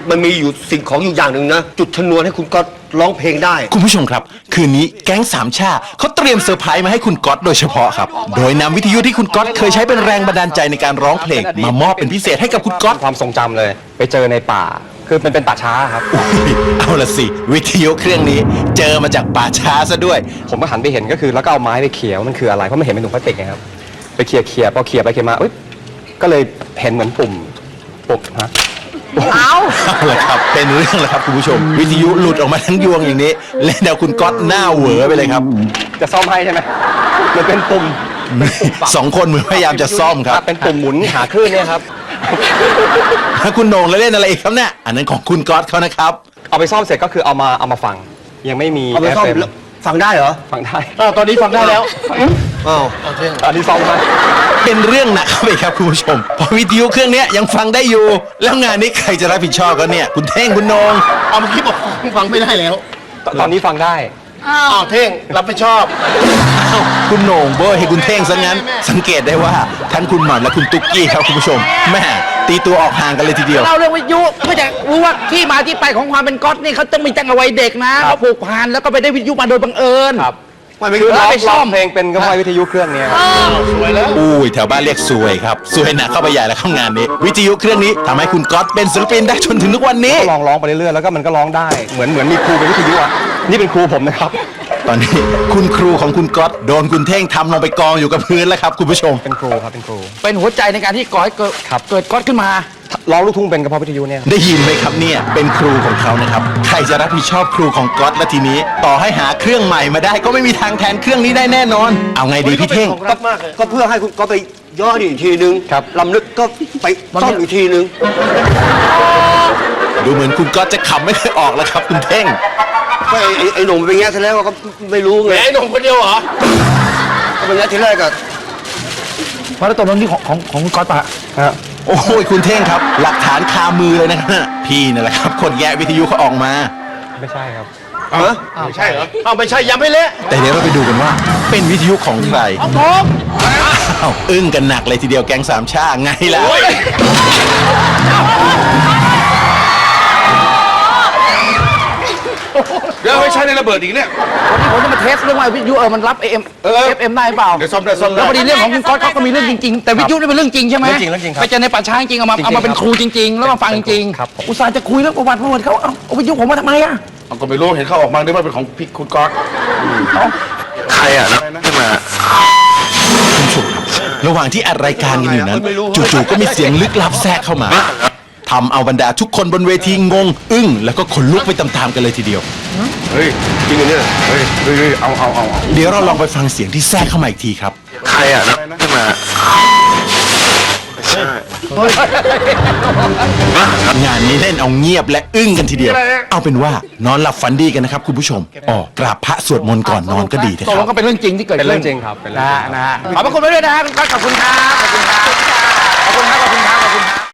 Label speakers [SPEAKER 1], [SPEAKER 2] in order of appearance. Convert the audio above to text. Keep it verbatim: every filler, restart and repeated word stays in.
[SPEAKER 1] มันมีอยู่สิ่งของอยู่อย่างหนึ่งนะจุดชนวนให้คุณก๊อตร้องเพลงได้
[SPEAKER 2] คุณผู้ชมครับคืนนี้แก๊งสามชาเขาเตรียมเซอร์ไพรส์มาให้คุณก๊อตโดยเฉพาะครับโดยนำวิทยุที่คุณก๊อตเคยใช้เป็นแรงบันดาลใจในการร้องเพลงมามอบเป็นพิเศษให้กับคุณก๊อต
[SPEAKER 3] ความทรงจำเลยไปเจอในป่าคือมันเป็นป่าช้าครับ
[SPEAKER 2] เอาละสิวิทยุเครื่องนี้เจอมาจากป่าช้าซะด้วย
[SPEAKER 3] ผมก็หันไปเห็นก็คือแล้วก็เอาไม้ไปเขี่ยว่ามันคืออะไรเพราะมันเห็นเป็นถุงพลาสติกไงครับไปเขี่ยเขี่ยพอเขี่ยไปเขี่ยมาอุ๊ยก็เลยเห็นเหมือนปุ่มปุ่มฮะ
[SPEAKER 2] เอาเอาละครับเป็นเรื่องแล้วครับคุณผู้ชมวิทยุหลุดออกมาทั้งยวงอย่างนี้เล่นเอาคุณก๊อตหน้าเหวอไปเลยครับ
[SPEAKER 3] จะซ่อมให้ใช่ไหมมันเป็นปุ่ม
[SPEAKER 2] สองคนเหมือนพยายามจะซ่อมครับ
[SPEAKER 3] เป็นปุ่มหมุนหาคลื่นเนี่ยครับ
[SPEAKER 2] ถ้าคุณโหน่งแล้วเล่นอะไรอีกครับเนี่ยอันนั้นของคุณก๊อตเขานะครับ
[SPEAKER 3] เอาไปซ่อมเสร็จก็คือเอามาเอามาฟังยังไม่มี
[SPEAKER 1] เอาไปซ่อมฟังได้เหรอ
[SPEAKER 3] ฟังได้
[SPEAKER 4] ตอนนี้ฟังได้แล้ว
[SPEAKER 1] อ้าว
[SPEAKER 3] ตอนนี้ซ่อมมา
[SPEAKER 2] เป็นเรื่องหนักเข้าไปครับคุณผู้ชมพอวิทยุเครื่องนี้ยังฟังได้อยู่แล้วงานนี้ใครจะรับผิดชอบกันเนี่ยคุณเท่งคุณโหน่ง
[SPEAKER 4] เอาเมื่อกี้บอกฟังไม่ได้แล้ว
[SPEAKER 3] ตอนนี้ฟังได้
[SPEAKER 4] อ้าวเท่งรับผิดชอบ
[SPEAKER 2] คุณโหน่งโบยให้คุณเท่งซะงั้นสังเกตได้ว่าทั้งคุณหม่ำและคุณตุ๊กกี้ครับคุณผู้ชมแม่ตีตัวออกห่างกันเลยทีเดียว
[SPEAKER 5] เราเรื่องวิทยุเพื่อจะรู้ว่าที่มาที่ไปของความเป็นก๊อตนี่เขาต้องมีตั้งแต่วัยเด็กนะเขาผูกพันแล้วก็ไปได้วิทยุมาโดยบังเอิญ
[SPEAKER 3] ครับมันคือร้องร้องเพลงเป็นก็เพราะวิทยุเครื่องนี้
[SPEAKER 4] สวยแล้ว
[SPEAKER 2] อุ้ยแถวบ้านเรียกสวยครับสวยหนักเข้าไปใหญ่แล้วข้างงานนี้วิทยุเครื่องนี้ทำให้คุณก๊อตเป็นศิลปินได้จนถึงทุกวันนี้
[SPEAKER 3] ก็ลองร้องไปเรื่อยๆแล้วก็มันก็ร้องได้เหมือนเหมือนมีครูเป็นวิทยุอ่ะนี่เป็นครูผมนะครับ
[SPEAKER 2] ตอนนี้คุณครูของคุณก๊อตโดนคุณเท่งทำลงไปกองอยู่กับพื้นแล้วครับคุณผู้ชม
[SPEAKER 3] เป็นครูครับเป็นครู
[SPEAKER 5] เป็นหัวใจในการที่ก่อให้เกิดเกิดก๊อตขึ้นมา
[SPEAKER 3] ร้องลูกทุ่งเป็นกระเพาะวิทยุเนี่ย
[SPEAKER 2] ได้ยินไหมครับเนี่ยเป็นครูของเขานะครับใครจะรับผิดชอบครูของก๊อตและทีนี้ต่อให้หาเครื่องใหม่มาได้ก็ไม่มีทางแทนเครื่องนี้ได้แน่นอนเอาไงดีพี่เท่ง
[SPEAKER 1] ก็เพื่อให้คุณก๊อตไปย่ออีกทีนึงลำลึกก็ไปซ่อมอีกทีนึง
[SPEAKER 2] ดูเหมือนคุณก๊อตจะขำไม่เคยออกแล้วครับคุณเท่ง
[SPEAKER 1] ก็ไอ้ไอ้หนุ่มเป็นแง่ซะแล้วก็ไม่รู้ไง
[SPEAKER 4] ไอ้หนุ่มคนเดียวเหรอ
[SPEAKER 1] ก็เป็นแง่ทีแรกก็
[SPEAKER 5] พอแล้วตกลงที่ของของของคุณก๊อตปะ
[SPEAKER 2] โอ้โหคุณเท่งครับหลักฐานคามือเลยนะพี่นั่นแหละครับคนแย่วิทยุเขาออกมา
[SPEAKER 3] ไม่ใช่ครับ
[SPEAKER 4] อ๋อไม่ใช่เหรอเอาไม่ใช่ยังไม่เละ
[SPEAKER 2] แต่เดี๋ยวเราไปดูกันว่าเป็นวิทยุของใคร
[SPEAKER 5] ของผม
[SPEAKER 2] อ้าวอึ้งกันหนักเลยทีเดียวแก๊งสามชาไงล่ะ
[SPEAKER 4] เดี๋ยวไม่ใช่ในระเบิดอีกเนี่ย
[SPEAKER 5] วันนี้ผมจะมาเทสเรื่องว่าวิทยุเออมันรับ เอ เอ็ม เอฟ เอ็ม ได้เปล่า
[SPEAKER 4] เดี๋ยวซ่อมได้ซ่อมได้
[SPEAKER 5] แล้วพอดีเรื่องของคุณก๊อตเขาก็มีเรื่องจริงๆแต่วิทยุนี่เป็นเรื่องจริงใช่ไหม
[SPEAKER 3] เรื่องจริงเรื่องจริงครับ
[SPEAKER 5] ไปเจอในป่าช้าจริงเอามาเอามาเป็นครูจริงๆแล้วมาฟังจริงๆอุตส่าห์จะคุยเรื่องประวัติประวัติเขาเอาวิทยุผมมาทำไมอ่ะ
[SPEAKER 4] ก็ไม่รู้เห็นเขาออกมาด้วยว่าเป็นของพี่คุณก๊อต
[SPEAKER 2] ใครอ่ะนะขึ้นมาคุณผู้ชมระหว่างที่อัดรายการกันอยู่นั้นจู่ๆก็มีเสียงลึกลับแทรกเข้ามาทำเอาบรรดาทุกคนบนเวทีงงอึ้งแล้วก็ขนลุกไปตามๆกันเลยทีเดียว
[SPEAKER 1] เฮ้ยจริงเหรอเนี่ยเฮ้ยเฮ้ยเอาเอาเอา
[SPEAKER 2] เดี๋ยวเราลองไปฟังเสียงที่แทรกเข้ามาอีกทีครับ
[SPEAKER 1] ใครอ่ะนะขึ้นม
[SPEAKER 2] างานนี้เล่นเอาเงียบและอึ้งกันทีเดียวเอาเป็นว่านอนหลับฝันดีกันนะครับคุณผู้ชมอ๋อกราบพระสวดมนต์ก่อนนอนก็ดีนะค
[SPEAKER 5] รั
[SPEAKER 2] บ
[SPEAKER 5] ก็เป็นเรื่องจริงที่เกิด
[SPEAKER 3] เป็นเรื่องจริงครับ
[SPEAKER 5] นะนะขอบพระคุณไปด้วยนะคุณก๊อตขอบคุณครับขอบคุณครับขอบคุณครับขอบคุณครับขอบคุณครับ